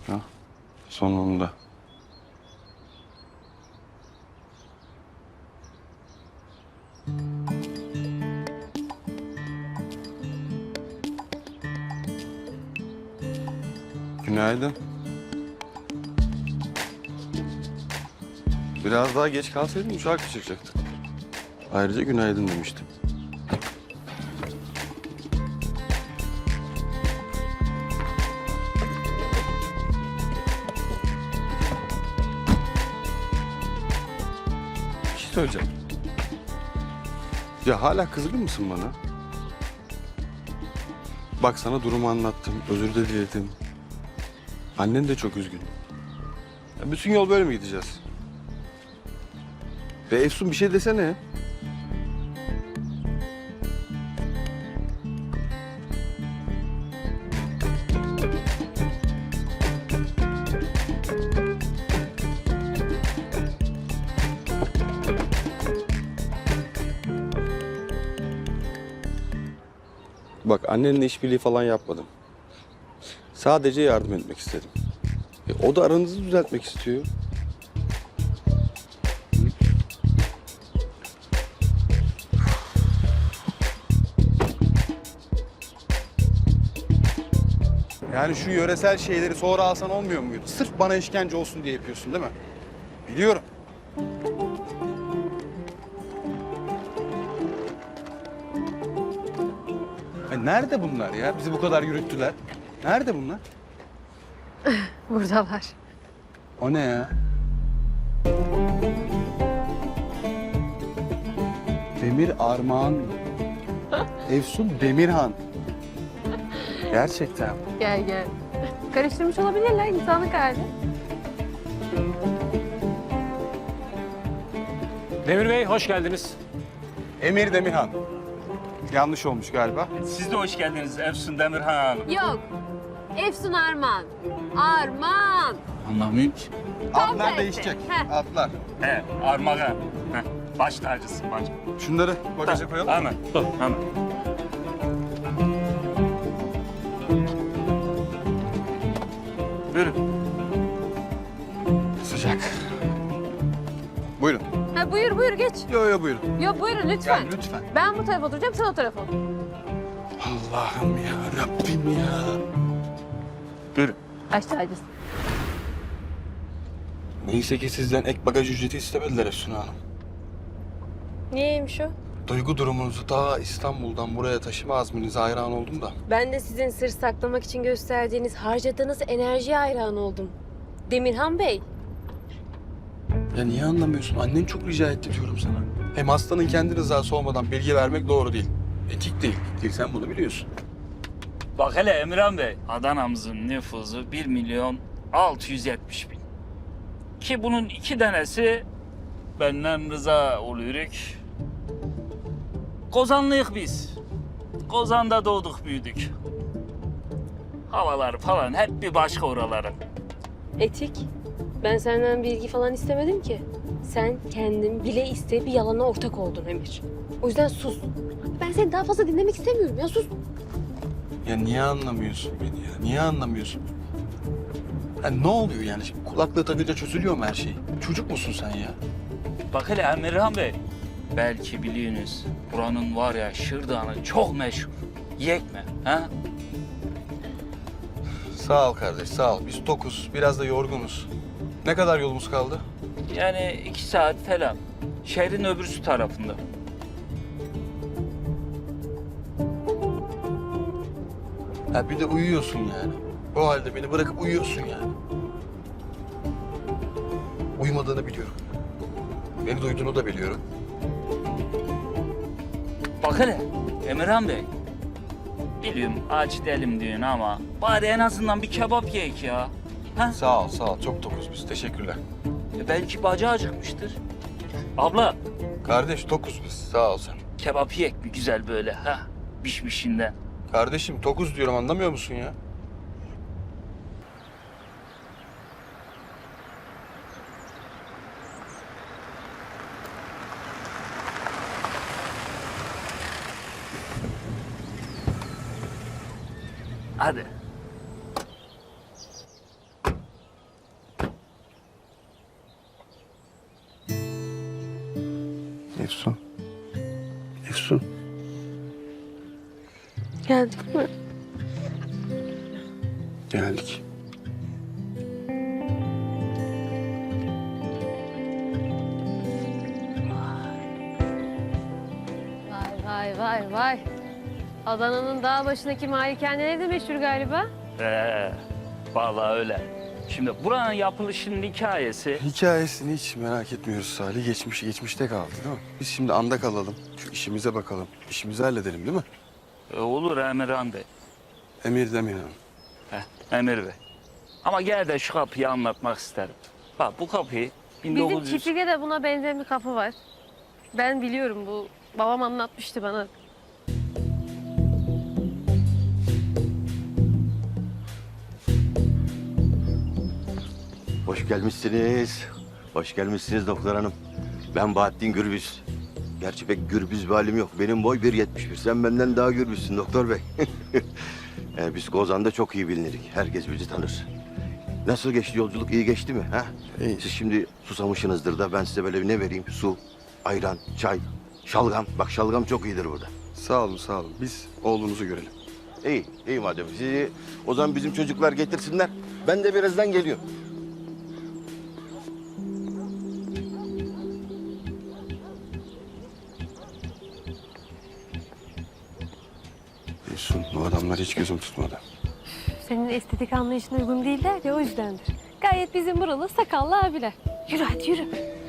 Ha, sonunda. Günaydın. Biraz daha geç kalsaydın uçağa kaçıracaktık. Ayrıca günaydın demiştim. Bir şey söyleyeceğim. Ya hala kızgın mısın bana? Bak sana durumu anlattım, özür de diledim. Annen de çok üzgün. Ya bütün yol böyle mi gideceğiz? Ve Efsun bir şey desene. Bak annenle işbirliği falan yapmadım. Sadece yardım etmek istedim. O da aranızı düzeltmek istiyor. Yani şu yöresel şeyleri sonra alsan olmuyor muydu? Sırf bana işkence olsun diye yapıyorsun değil mi? Biliyorum. Nerede bunlar ya? Bizi bu kadar yürüttüler. Nerede bunlar? Buradalar. O ne ya? Demir Armağan. Efsun Demirhan. Gerçekten. Gel gel. Karıştırmış olabilirler insanlık hali. Demir Bey, hoş geldiniz. Emir Demirhan. Yanlış olmuş galiba. Siz de hoş geldiniz Efsun Demirhan Hanım. Yok. Efsun Arman. Arman. Anlamıyorum ki. Adlar tersi. değişecek. Heh. Adlar. He, armağan. Heh, baş tacısın bacım. Şunları bagaja koyalım. Hemen, hemen. Buyurun. Sıcak. Buyurun. Ha, buyur buyur geç. Yo buyurun. Yok buyurun lütfen. Gel lütfen. Ben bu tarafa oturacağım sen o tarafa otur. Allah'ım ya Rabbim ya. Buyurun. Baş tacısın. Neyse ki sizden ek bagaj ücreti istemediler Efsun Hanım. Niyeymiş o? Duygu durumunuzu ta İstanbul'dan buraya taşıma azminize hayran oldum da. Ben de sizin sır saklamak için gösterdiğiniz, harcadığınız enerjiye hayran oldum. Demirhan Bey, Ya niye anlamıyorsun? Annen çok rica etti diyorum sana. Hem hastanın kendi rızası olmadan bilgi vermek doğru değil. Etik değil. Sen bunu biliyorsun. Bak hele Emirhan Bey, Adana'mızın nüfusu 1.670.000. Ki bunun 2 tanesi benden rıza oluyoruz. Kozanlıyık biz. Kozan'da doğduk büyüdük. Havalar falan hep bir başka oraların. etik. Ben senden bilgi falan istemedim ki. Sen kendin bile iste bir yalana ortak oldun Emir. O yüzden sus. Ben seni daha fazla dinlemek istemiyorum ya, sus. Ya niye anlamıyorsun beni ya? Niye anlamıyorsun? Ya ne oluyor yani? Şimdi kulaklığı takınca çözülüyor mu her şey? Çocuk musun sen ya? Bak hele Emirhan Bey, belki biliyorsunuz buranın var ya şırdanı çok meşhur. Yiyek mi? Ha? Sağ ol kardeş, sağ ol. Biz tokuz, biraz da yorgunuz. Ne kadar yolumuz kaldı? Yani 2 saat falan. Şehrin öbürsü tarafında. Ha bir de uyuyorsun yani. O halde beni bırakıp uyuyorsun yani. Uyumadığını biliyorum. Beni duyduğunu da biliyorum. Bak hele Emirhan Bey. Biliyorum aç değilim diyorsun ama bari en azından bir kebap yiyek ya. Ha? Sağ ol, sağ ol. Çok tokuz biz. Teşekkürler. Belki bacağı acıkmıştır. Abla Kardeş tokuz biz. Sağ ol sen. kebap yiyek bir güzel böyle ha. Pişmişinden. Kardeşim tokuz diyorum anlamıyor musun ya? Hadi. Geldik mi? Geldik. Vay vay vay. Adana'nın dağ başındaki malikaneleri de meşhur galiba. Vallahi öyle. Şimdi buranın yapılışının hikayesi... Hikayesini hiç merak etmiyoruz Salih. Geçmişte kaldı değil mi? Biz şimdi anda kalalım. Şu işimize bakalım. İşimizi halledelim değil mi? Olur Emirhan Bey. Emir demeyelim. Emir Bey. Ama gel de şu kapıyı anlatmak isterim. Bak bu kapıyı Bizim 1900... çiftlikte de buna benzer bir kapı var. Ben biliyorum, bu babam anlatmıştı bana. Hoş gelmişsiniz. Hoş gelmişsiniz doktor hanım. Ben Bahattin Gürbüz. Gerçi pek gürbüz bir halim yok. Benim boy 1.71. Sen benden daha gürbüzsün doktor bey. Biz Kozan'da çok iyi bilinirik. Herkes bizi tanır. Nasıl geçti yolculuk? İyi geçti mi? Ha? İyi. Siz şimdi susamışsınızdır da ben size böyle bir ne vereyim? Su, ayran, çay, şalgam. Bak şalgam çok iyidir burada. Sağ olun, sağ olun. Biz oğlunuzu görelim. İyi, iyi madem. Sizi o zaman bizim çocuklar getirsinler. Ben de birazdan geliyorum. Efsun, bu adamlar hiç gözüm tutmadı. Senin estetik anlayışına uygun değiller ya, o yüzdendir. Gayet bizim buralı sakallı abiler. Yürü hadi yürü.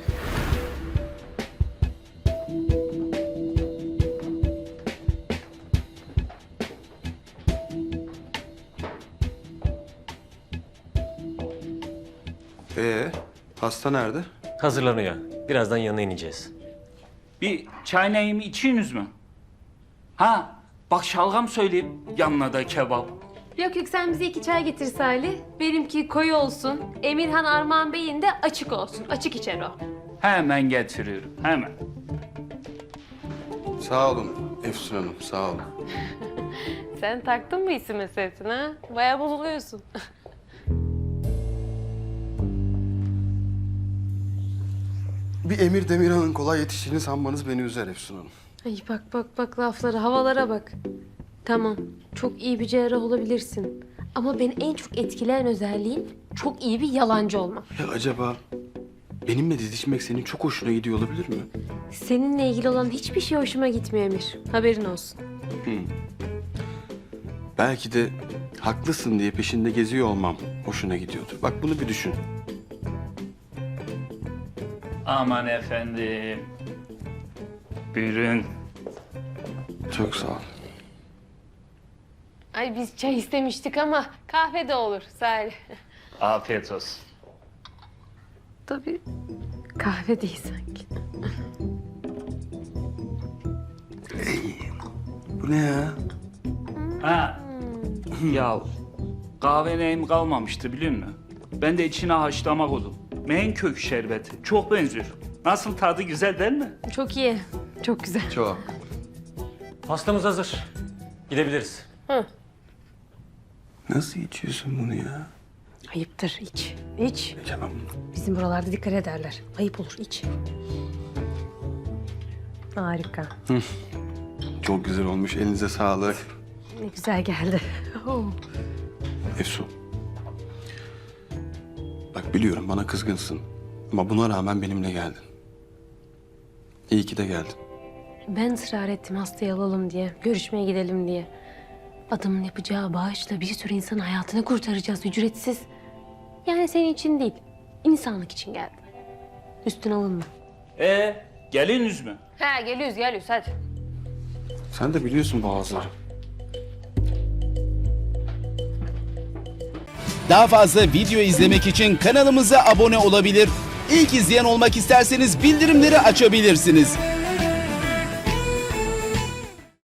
Hasta nerede? Hazırlanıyor. Birazdan yanına ineceğiz. Bir çay neyimi içiyorsunuz mu? Ha, bak şalgam söyleyeyim. Yanına da kebap. Yok yok, sen bize 2 çay getir Salih. Benimki koyu olsun. Emirhan Armağan Bey'in de açık olsun. Açık içer o. Hemen getiriyorum, hemen. Sağ olun Efsun Hanım, sağ olun. Sen taktın mı isim meselesine ha? Bayağı bozuluyorsun. Bir Emir Demirhan'ın kolay yetiştiğini sanmanız beni üzer Efsun Hanım. Ay bak laflara, havalara bak. Tamam, çok iyi bir cerrah olabilirsin. Ama beni en çok etkileyen özelliğin çok iyi bir yalancı olman. Ya acaba benimle didişmek senin çok hoşuna gidiyor olabilir mi? Seninle ilgili olan hiçbir şey hoşuma gitmiyor Emir. Haberin olsun. Belki de haklısın diye peşinde geziyor olmam hoşuna gidiyordur. Bak bunu bir düşün. Aman efendim. Buyurun. Çok sağ ol. Ay biz çay istemiştik ama kahve de olur Salih. Afiyet olsun. Tabii kahve değil sanki. Bu ne ya? Ha. Ya kahve neyim kalmamıştı biliyor musun? Ben de içine haşlama koydum. Menkök şerbeti. Çok benziyor. Nasıl, tadı güzel değil mi? Çok iyi, çok güzel. Çok. Pastamız hazır. Gidebiliriz. Nasıl içiyorsun bunu ya? Ayıptır, iç. İç. Tamam. Bizim buralarda dikkat ederler. Ayıp olur, iç. Harika. Çok güzel olmuş. Elinize sağlık. Ne güzel geldi. Oh. Efsun. Bak biliyorum bana kızgınsın. Ama buna rağmen benimle geldin. İyi ki de geldin. Ben ısrar ettim hastayı alalım diye, görüşmeye gidelim diye. Adamın yapacağı bağışla bir sürü insanın hayatını kurtaracağız ücretsiz. Yani senin için değil, insanlık için geldim. Üstüne alınma. Geliniz mi? Ha geliyoruz hadi. Sen de biliyorsun bazıları. Daha fazla video izlemek için kanalımıza abone olabilir. İlk izleyen olmak isterseniz bildirimleri açabilirsiniz.